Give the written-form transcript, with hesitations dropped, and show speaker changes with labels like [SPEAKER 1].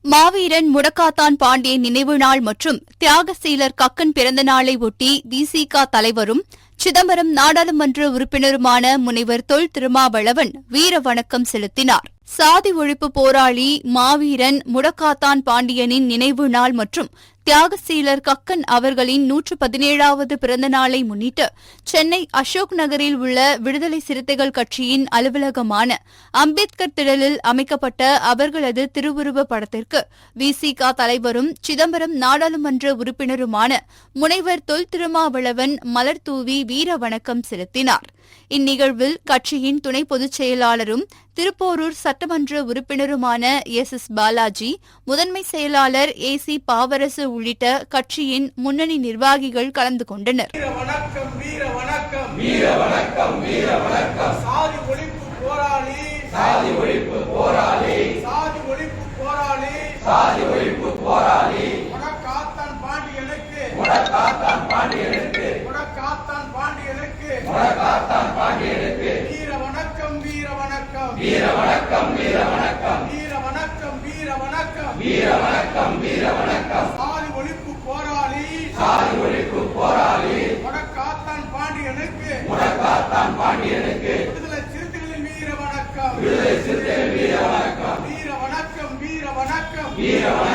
[SPEAKER 1] மாவீரன் முடக்காத்தான் பாண்டியன் நினைவு நாள் மற்றும் தியாகசீலர் கக்கன் பிறந்த நாளை ஒட்டி விசிக தலைவரும் சிதம்பரம் நாடாளுமன்ற உறுப்பினருமான முனைவர் தொல் திருமாவளவன் வீர வணக்கம் செலுத்தினார். சாதி ஒழிப்பு போராளி மாவீரன் முடக்காத்தான் பாண்டியனின் நினைவு நாள் மற்றும் தியாகசீலர் கக்கன் அவர்களின் 117வது பிறந்த நாளை முன்னிட்டு சென்னை அசோக் நகரில் உள்ள விடுதலை சிறுத்தைகள் கட்சியின் அலுவலகமான அம்பேத்கர் திடலில் அமைக்கப்பட்ட அவர்களது திருவுருவ படத்திற்கு விசிக தலைவரும் சிதம்பரம் நாடாளுமன்ற உறுப்பினருமான முனைவர் தொல் திருமாவளவன் மலர் தூவி வீர வணக்கம் செலுத்தினார். இந்நிகழ்வில் கட்சியின் துணை பொதுச் செயலாளரும் திருப்போரூர் சட்டமன்ற உறுப்பினருமான எஸ் பாலாஜி, முதன்மை செயலாளர் ஏசி பாவரசு உள்ளிட்ட கட்சியின் முன்னணி நிர்வாகிகள் கலந்து கொண்டனர்.
[SPEAKER 2] வீர